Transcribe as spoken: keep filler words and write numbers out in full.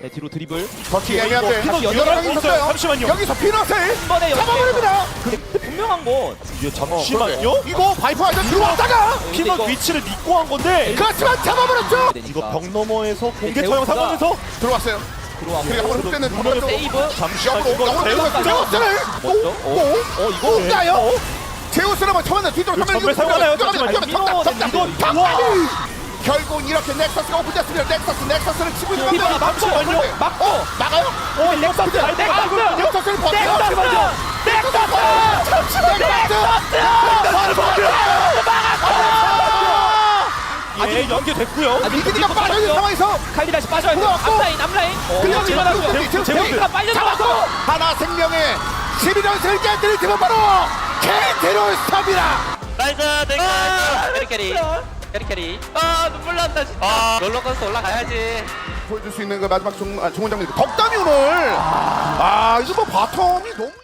네, 뒤로 드리블. 버티기 애매한데 이거 여러 여덟 명이 명 있었어요. 잠시만요. 여기서 피넛을 한 번에 잡아버립니다. 근데 분명한 건 이게 잠시만요. 이거 바이퍼 아저 들어왔다가 피넛 이거- 위치를 믿고 한 건데 그렇지만 잡아버렸죠. 이거 벽 너머에서 공개 네, 처형 제우스가- 상황에서 들어왔어요. 들어왔고 그리고 한번 흡대는 분명히 한번 세이브. 잠시만 역으로 이거 역으로 제우스가 제우스를 먼저. 어, 어 이거 뭔가요? 제우스를 한번 쳐봤는데 뒤쪽으로 이거 가면 전멸 사용하나요? 잠시만요. 정답 정답 이거 정답. 우와. 결국 이렇게 넥서스가 오픈됐습니다. 넥서스 넥서스를 치고 있는 피넛이 건데 잠시만요. 막고. 어, 막아요? 어 넥서스 잘 넥서스! 넥서스 넥서스를 버텨요. 넥서스! 예 연계됐고요. 미기니가 빠져있는 상황에서 칼리 다시 빠져야 돼. 들어왔고. 앞라인 앞라인. 그냥 어, 집어넣고 제우스, 제우스, 제우스, 제우스가 빨려 잡았고 들어갔어. 하나 생명의 십일 연승을 깨뜨릴 팀은 바로 케이티로스타입니다. 나이스 땡 캐리 캐리 캐리 캐리 아 눈물 난다 진짜 아, 롤러코스터 올라가야지 보여줄 수 있는 그 마지막 종, 아, 종훈 장면 덕담이 오늘 아 이거 뭐 바텀이 너무